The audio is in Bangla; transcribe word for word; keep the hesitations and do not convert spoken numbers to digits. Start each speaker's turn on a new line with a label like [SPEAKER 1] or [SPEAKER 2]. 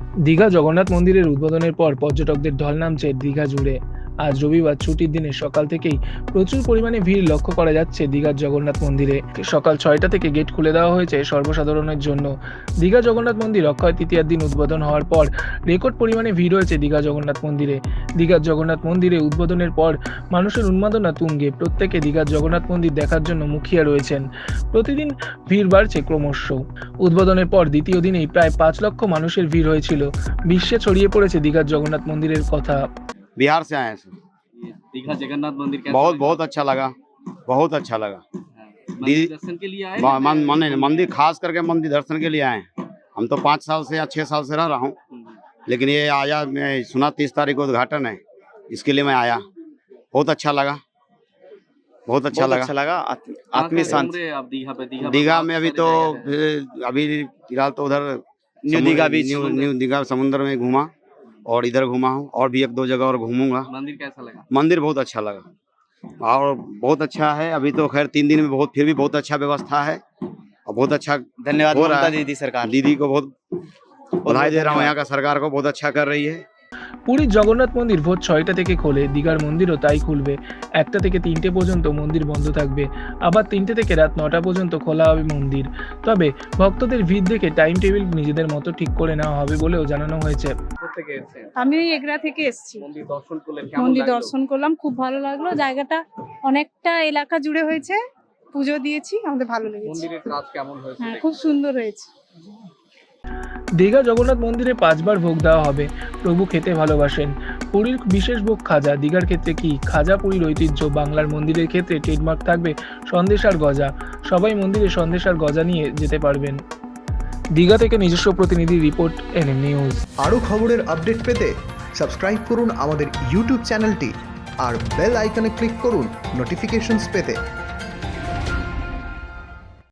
[SPEAKER 1] দীঘা জগন্নাথ মন্দিরের উদ্বোধনের পর পর্যটকদের ঢল নামছে দীঘা জুড়ে। আজ রবিবার ছুটির দিনে সকাল থেকেই প্রচুর পরিমাণে ভিড় লক্ষ্য করা যাচ্ছে দীঘার জগন্নাথ মন্দিরে। সকাল ছয়টা থেকে গেট খুলে দেওয়া হয়েছে সর্বসাধারণের জন্য। দীঘা জগন্নাথ মন্দির অক্ষয় তৃতীয়ার দিন উদ্বোধন হওয়ার পর রেকর্ড পরিমাণে ভিড় হয়েছে দীঘা জগন্নাথ মন্দিরে। দীঘার জগন্নাথ মন্দিরে উদ্বোধনের পর মানুষের উন্মাদনা তুঙ্গে, প্রত্যেকে দীঘার জগন্নাথ মন্দির দেখার জন্য মুখিয়া রয়েছেন। প্রতিদিন ভিড় বাড়ছে ক্রমশ। উদ্বোধনের পর দ্বিতীয় দিনেই প্রায় পাঁচ লক্ষ মানুষের ভিড় হয়েছিল। বিশ্বে ছড়িয়ে পড়েছে দীঘার জগন্নাথ মন্দিরের কথা।
[SPEAKER 2] बिहार से आए हैं सर।
[SPEAKER 3] ये दीघा जगन्नाथ मंदिर कैसा
[SPEAKER 2] बहुत
[SPEAKER 3] लगा?
[SPEAKER 2] बहुत अच्छा लगा, बहुत अच्छा लगा।
[SPEAKER 3] हाँ, मंदिर
[SPEAKER 2] दी-
[SPEAKER 3] दर्शन के लिए आए
[SPEAKER 2] म-
[SPEAKER 3] हैं?
[SPEAKER 2] मन- मन- मंदिर खास करके मंदिर दर्शन के लिए आए हैं। हम तो पाँच साल से या छः साल से रह रहा हूँ,
[SPEAKER 3] हम्म,
[SPEAKER 2] लेकिन ये आया, मैं सुना तीस तारीख को उद्घाटन है, इसके लिए मैं आया। बहुत अच्छा लगा, बहुत अच्छा
[SPEAKER 4] बहुत
[SPEAKER 2] लगा।
[SPEAKER 4] अच्छा लगा। आत्म-
[SPEAKER 3] कहाँ
[SPEAKER 4] आत्मीय
[SPEAKER 3] कहाँ
[SPEAKER 4] शांति।
[SPEAKER 3] घूम रहे हैं आप दीघा पे? दीघा
[SPEAKER 2] दीघा
[SPEAKER 3] बहुत
[SPEAKER 2] में अभी
[SPEAKER 3] सारी
[SPEAKER 2] तो
[SPEAKER 3] जगह है।
[SPEAKER 2] फिर- अभी फिलहाल तो उधर
[SPEAKER 4] न्यू
[SPEAKER 2] समुद्र-
[SPEAKER 4] Digha beach.
[SPEAKER 2] New new Digha समुद्र में घूमा और इधर घूमा हूँ, और भी एक दो जगह और घूमूंगा।
[SPEAKER 3] मंदिर कैसा लगा?
[SPEAKER 2] मंदिर बहुत अच्छा लगा और बहुत अच्छा है। अभी तो खैर तीन दिन में बहुत, फिर भी बहुत अच्छा व्यवस्था है और बहुत अच्छा
[SPEAKER 4] धन्यवाद
[SPEAKER 2] हो रहा
[SPEAKER 4] ममता
[SPEAKER 2] है।
[SPEAKER 4] दीदी सरकार।
[SPEAKER 2] दीदी को बहुत बधाई दे रहा हूँ,
[SPEAKER 4] धन्यवाद।
[SPEAKER 2] यहाँ का सरकार को बहुत अच्छा कर रही है।
[SPEAKER 1] পুরীর জগন্নাথ মন্দির ভোর ছয়টা থেকে খোলে, দীঘার মন্দিরও তাই খুলবে। একটা থেকে তিনটে পর্যন্ত মন্দির বন্ধ থাকবে, আবার তিনটে থেকে রাত নটা পর্যন্ত খোলা হবে মন্দির। তবে ভক্তদের ভিড় দেখে টাইম টেবিল নিজেদের মতো ঠিক করে নেওয়া হবে বলেও জানানো হয়েছে।
[SPEAKER 3] থেকে এসেছেন
[SPEAKER 5] আমি ওই এগরা থেকে এসেছি।
[SPEAKER 3] মন্দির দর্শন করলেন, কেমন
[SPEAKER 5] মন্দির
[SPEAKER 3] লাগলো?
[SPEAKER 5] দর্শন করলাম, খুব ভালো লাগলো। জায়গাটা অনেকটা এলাকা জুড়ে হয়েছে, পুজো দিয়েছি, আমাদের ভালো লেগেছে।
[SPEAKER 3] মন্দিরের কাজ কেমন হয়েছে?
[SPEAKER 5] হ্যাঁ, খুব সুন্দর হয়েছে।
[SPEAKER 1] দীঘা জগন্নাথ মন্দিরে পাঁচবার ভোগ দেওয়া হবে। প্রভু খেতে ভালোবাসেন। পুরীর বিশেষ ভোগ খাজা। দীঘার ক্ষেত্রে কি খাজা পুরীর ঐতিহ্য। বাংলার মন্দিরের ক্ষেত্রে ট্রেডমার্ক থাকবে সন্দেশ আর গজা। সবাই মন্দিরে সন্দেশ আর গজা নিয়ে যেতে পারবেন। দীঘা থেকে নিজস্ব প্রতিনিধি রিপোর্ট, এনএম নিউজ।
[SPEAKER 6] আরও খবরের আপডেট পেতে সাবস্ক্রাইব করুন আমাদের ইউটিউব চ্যানেলটি আর বেল আইকনে ক্লিক করুন নোটিফিকেশনস পেতে।